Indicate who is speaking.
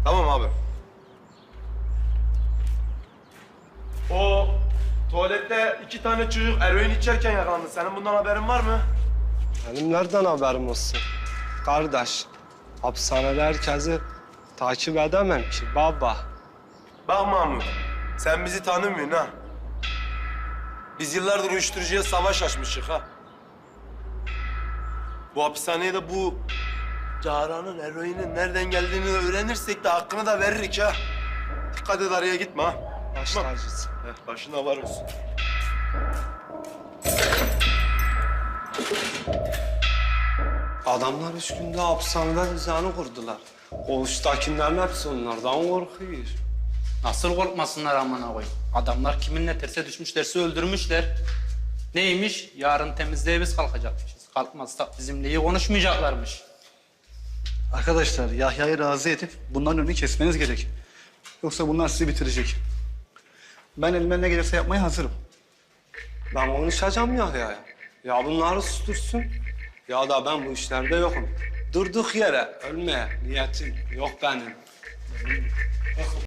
Speaker 1: Tamam abi. O tuvalette 2 tane çocuk eroin içerken yakalandı. Senin bundan haberin var mı?
Speaker 2: Benim nereden haberim olsun? Kardeş, hapishanede herkesi takip edemem ki baba.
Speaker 1: Bak Mahmut, sen bizi tanımıyorsun ha. Biz yıllardır uyuşturucuya savaş açmışık ha. Bu hapishaneye de bu Cahra'nın eroinin nereden geldiğini öğrenirsek de hakkını da veririk ha. Dikkat et araya gitme ha.
Speaker 2: Baş
Speaker 1: Tamam.
Speaker 2: tacısın.
Speaker 1: Başına var olsun.
Speaker 2: Adamlar 3 günde hapishanede düzeni kurdular. Koğuştakilerin hepsi onlardan korkuyor.
Speaker 3: Nasıl korkmasınlar amına koyayım? Adamlar kiminle terse düşmüşlerse öldürmüşler. Neymiş? Yarın temizliğe biz kalkacakmışız. Kalkmazsak bizimle iyi konuşmayacaklarmış.
Speaker 4: Arkadaşlar Yahya'yı razı edip bunların önünü kesmeniz gerek. Yoksa bunlar sizi bitirecek. Ben elimden ne gelirse yapmaya hazırım.
Speaker 2: Ben konuşacağım ya. Ya bunları sustursun. Ya da ben bu işlerde yokum. Durduk yere ölmeye niyetim yok benim.